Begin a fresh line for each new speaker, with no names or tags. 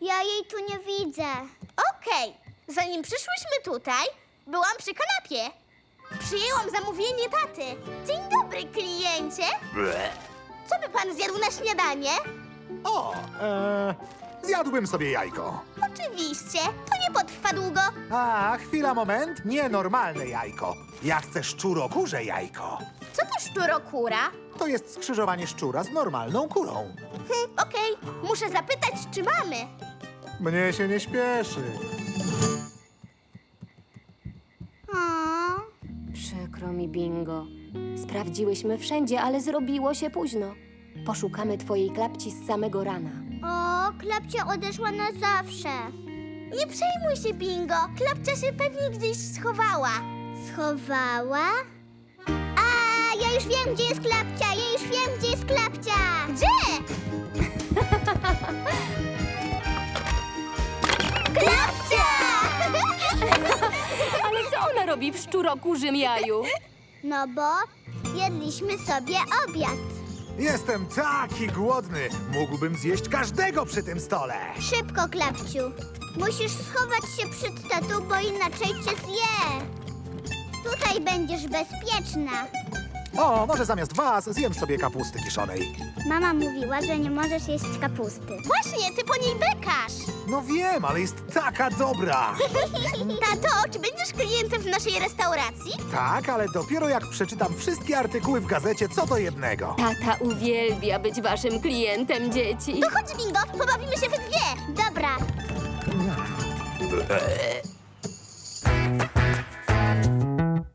Ja jej tu nie widzę.
Okej, zanim przyszłyśmy tutaj, byłam przy kanapie. Przyjęłam zamówienie taty. Dzień dobry, kliencie. Co by pan zjadł na śniadanie?
O, zjadłbym sobie jajko.
Oczywiście, to nie potrwa długo.
A, chwila, moment. Nienormalne jajko. Ja chcę szczurokurze jajko.
Co to szczurokura?
To jest skrzyżowanie szczura z normalną kurą.
Okej, muszę zapytać, czy mamy.
Mnie się nie śpieszy.
Przykro mi, Bingo. Sprawdziłyśmy wszędzie, ale zrobiło się późno. Poszukamy twojej klapci z samego rana.
O, Klapcia odeszła na zawsze.
Nie przejmuj się, Bingo. Klapcia się pewnie gdzieś schowała.
Schowała? A, ja już wiem, gdzie jest Klapcia! Ja już wiem, gdzie jest Klapcia!
Gdzie?
Klapcia!
Ale co ona robi w szczurokurzym jaju?
No bo jedliśmy sobie obiad.
Jestem taki głodny. Mógłbym zjeść każdego przy tym stole.
Szybko, Klapciu. Musisz schować się przed tatą, bo inaczej cię zje. Tutaj będziesz bezpieczna.
O, może zamiast was zjem sobie kapusty kiszonej.
Mama mówiła, że nie możesz jeść kapusty.
Właśnie, ty po niej bekasz.
No wiem, ale jest taka dobra.
Tato, czy będziesz klientem w naszej restauracji?
Tak, ale dopiero jak przeczytam wszystkie artykuły w gazecie co do jednego.
Tata uwielbia być waszym klientem, dzieci.
To chodź, Bingo, pobawimy się we dwie.
Dobra.